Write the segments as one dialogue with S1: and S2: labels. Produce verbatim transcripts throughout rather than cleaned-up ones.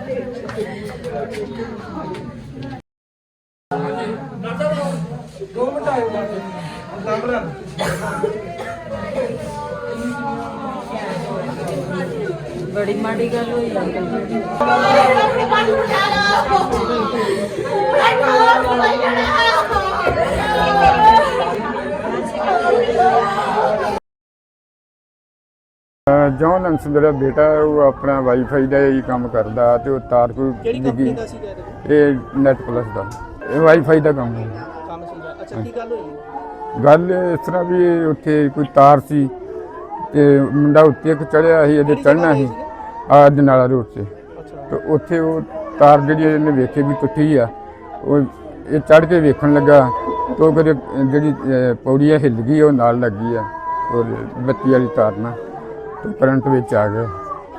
S1: बड़ी माड़ी गल हुई
S2: जॉन अंश मेरा बेटा वो अपना वाईफाई का ही काम करता तो तार कोई डिगी ये नैट प्लस का वाईफाई का काम है। गल इस तरह भी उत्थे कोई तार सी ते मुंडा उत्ते एक चढ़िया ही ये चढ़ना ही आज नाला रोड से तो उत्थे वो तार जी इन्हें वेखे भी टुटी आ वो ये चढ़ के वेखन लगा तो फिर जी पौड़ी हिल गई वो नाल लग गई है और बत्ती वाली तार ना तो करंट विच आ गया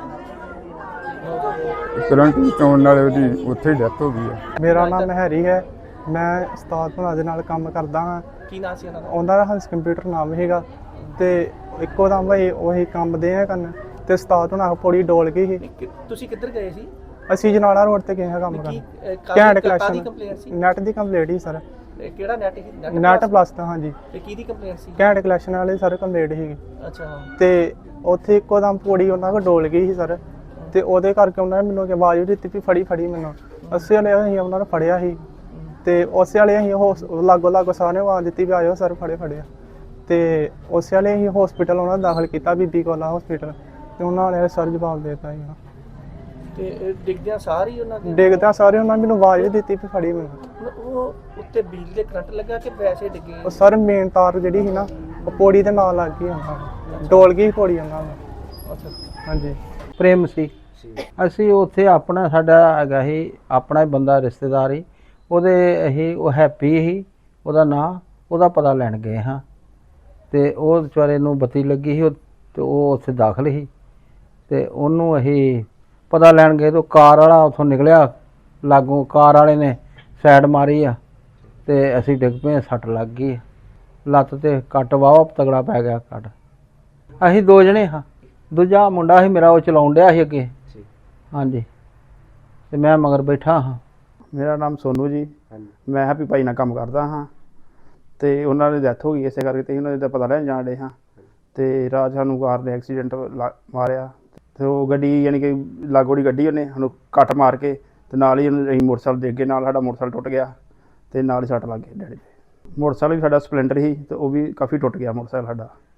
S2: करंट आने नाल ओहदी उत्थे डेथ हो गई है।
S3: मेरा नाम हैरी है मैं उस्ताद भला दे नाल काम करदा हां।
S4: की नाम सी उन्हां दा?
S3: उन्हां दा हंस कंप्यूटर नाम हैगा ते इक्को दम भाई ਉਹੀ ਕੰਮ ਦੇ ਆ ਕਰਨ ਤੇ ਉਸਤਾਦ ਹੁਣਾਂ ਪੌੜੀ ਡੋਲ ਗਈ ਸੀ।
S4: ਤੁਸੀਂ ਕਿੱਧਰ ਗਏ ਸੀ?
S3: ਅਸੀਂ ਜਨਾਲਾ ਰੋਡ ਤੇ ਗਏ ਹਾਂ ਕੰਮ ਕਰਨ। ਘੈਂਟ ਕਲੈਕਸ਼ਨ ਨੈਟ ਦੀ ਕੰਪਲੀਟ ਹੀ ਸਰ।
S4: ਕਿਹੜਾ ਨੈਟ ਸੀ?
S3: ਨੈਟ ਪਲੱਸ ਦਾ ਹਾਂਜੀ।
S4: ਤੇ ਕੀ ਦੀ ਕੰਪਲੀਟ ਸੀ?
S3: ਘੈਂਟ ਕਲੈਕਸ਼ਨ ਵਾਲੇ ਸਾਰੇ ਕੰਪਲੀਟ ਸੀਗੇ।
S4: ਅੱਛਾ
S3: ਤੇ ਉੱਥੇ ਇੱਕੋ ਦਮ ਪੌੜੀ ਉਹਨਾਂ ਕੋਲ ਡੋਲ ਗਈ ਸੀ ਸਰ ਤੇ ਉਹਦੇ ਕਰਕੇ ਉਹਨਾਂ ਨੇ ਮੈਨੂੰ ਕਿ ਆਵਾਜ਼ ਦਿੱਤੀ ਵੀ ਫੜੀ ਫੜੀ ਮੈਨੂੰ ਅਸੀਂ ਵਾਲੇ ਅਸੀਂ ਉਹਨਾਂ ਨੂੰ ਫੜਿਆ ਸੀ ਤੇ ਉਸੇ ਵਾਲੇ ਅਸੀਂ ਉਹ ਲਾਗੋ ਲਾਗੋ ਸਾਰਿਆਂ ਨੂੰ ਆਵਾਜ਼ ਦਿੱਤੀ ਵੀ ਆਇਓ ਸਰ ਫੜੇ ਫੜਿਆ ਤੇ ਉਸੇ ਵਾਲੇ ਅਸੀਂ ਹਸਪੀਟਲ ਉਹਨਾਂ ਨੂੰ ਦਾਖਲ ਕੀਤਾ ਬੀਬੀ ਕੋਲਾ ਹਸਪੀਟਲ ਤੇ ਉਹਨਾਂ ਨੇ ਸਰ ਜਵਾਬ ਦੇ ਦਿੱਤਾ ਸੀ।
S4: ਤੇ ਡਿੱਗਦਿਆਂ ਸਾਰੀ ਉਹਨਾਂ ਦੇ
S3: ਡਿੱਗਦਿਆਂ ਸਾਰੇ ਉਹਨਾਂ ਨੇ ਮੈਨੂੰ ਆਵਾਜ਼ ਦਿੱਤੀ ਵੀ ਫੜੀ ਮੈਨੂੰ।
S4: ਉਹ ਉੱਤੇ ਬਿਜਲੀ ਦੇ ਕਰੰਟ ਲੱਗਾ ਕਿ ਵੈਸੇ ਡਿੱਗੇ?
S3: ਉਹ ਸਰ ਮੇਨ ਤਾਰ ਜਿਹੜੀ ਸੀ ਨਾ ਉਹ ਪੌੜੀ ਦੇ ਨਾਲ ਲੱਗ ਗਈ ਉਹਨਾਂ ਨੂੰ ਡੋਲ ਗਈ ਪੌੜੀ ਉਹਨਾਂ ਨੂੰ।
S4: ਅੱਛਾ
S3: ਹਾਂਜੀ
S5: ਪ੍ਰੇਮ ਸੀ ਅਸੀਂ ਉੱਥੇ ਆਪਣਾ ਸਾਡਾ ਹੈਗਾ ਸੀ ਆਪਣਾ ਹੀ ਬੰਦਾ ਰਿਸ਼ਤੇਦਾਰ ਹੀ ਉਹਦੇ ਅਸੀਂ ਉਹ ਹੈਪੀ ਸੀ ਉਹਦਾ ਨਾਂ ਉਹਦਾ ਪਤਾ ਲੈਣ ਗਏ ਹਾਂ ਤੇ ਉਹ ਵਿਚਾਰੇ ਨੂੰ ਬੱਤੀ ਲੱਗੀ ਸੀ ਤੇ ਉਹ ਉੱਥੇ ਦਾਖਲ ਸੀ ਤੇ ਉਹਨੂੰ ਅਸੀਂ ਪਤਾ ਲੈਣ ਗਏ ਤਾਂ ਕਾਰ ਵਾਲਾ ਉੱਥੋਂ ਨਿਕਲਿਆ ਲਾਗੋਂ ਕਾਰ ਵਾਲੇ ਨੇ ਸਾਈਡ ਮਾਰੀ ਆ ਤੇ ਅਸੀਂ ਡਿੱਗ ਪਏ ਸੱਟ ਲੱਗ ਗਈ ਲੱਤ ਤੇ ਕੱਟ ਵਾਵਾ ਤਗੜਾ ਪੈ ਗਿਆ ਕੱਟ। ਅਸੀਂ ਦੋ ਜਣੇ ਹਾਂ ਦੂਜਾ ਮੁੰਡਾ ਸੀ ਮੇਰਾ ਉਹ ਚਲਾਉਣ ਡਿਆ ਸੀ ਅੱਗੇ ਹਾਂਜੀ ਤੇ ਮੈਂ ਮਗਰ ਬੈਠਾ ਹਾਂ।
S6: ਮੇਰਾ ਨਾਮ ਸੋਨੂ ਜੀ ਮੈਂ ਹੈਪੀ ਭਾਈ ਨਾਲ ਕੰਮ ਕਰਦਾ ਹਾਂ ਤੇ ਉਹਨਾਂ ਦੀ ਡੈਥ ਹੋ ਗਈ ਇਸੇ ਕਰਕੇ ਤੇ ਉਹਨਾਂ ਦਾ ਪਤਾ ਲੈਣ ਜਾਣ ਡੇ ਹਾਂ ਤੇ ਰਾਤ ਸਾਨੂੰ ਕਾਰ ਨੇ ਐਕਸੀਡੈਂਟ ਮਾਰਿਆ ਤੇ ਉਹ ਗੱਡੀ ਯਾਨੀ ਕਿ ਲਾਗੋੜੀ ਗੱਡੀ ਉਹਨੇ ਸਾਨੂੰ ਕੱਟ ਮਾਰ ਕੇ ਤੇ ਨਾਲ ਹੀ ਅਸੀਂ ਮੋਟਰਸਾਈਕਲ ਦੇ ਅੱਗੇ ਨਾਲ ਸਾਡਾ ਮੋਟਰਸਾਈਕਲ ਟੁੱਟ ਗਿਆ ਤੇ ਨਾਲ ਹੀ ਸੱਟ ਲੱਗ ਗਈ ਡੈਡੀ ਦੇ। ਮੋਟਰਸਾਈਕਲ ਵੀ ਸਾਡਾ ਸਪਲੈਂਡਰ ਸੀ ਤੇ ਉਹ ਵੀ ਕਾਫੀ ਟੁੱਟ ਗਿਆ ਮੋਟਰਸਾਈਕਲ ਸਾਡਾ।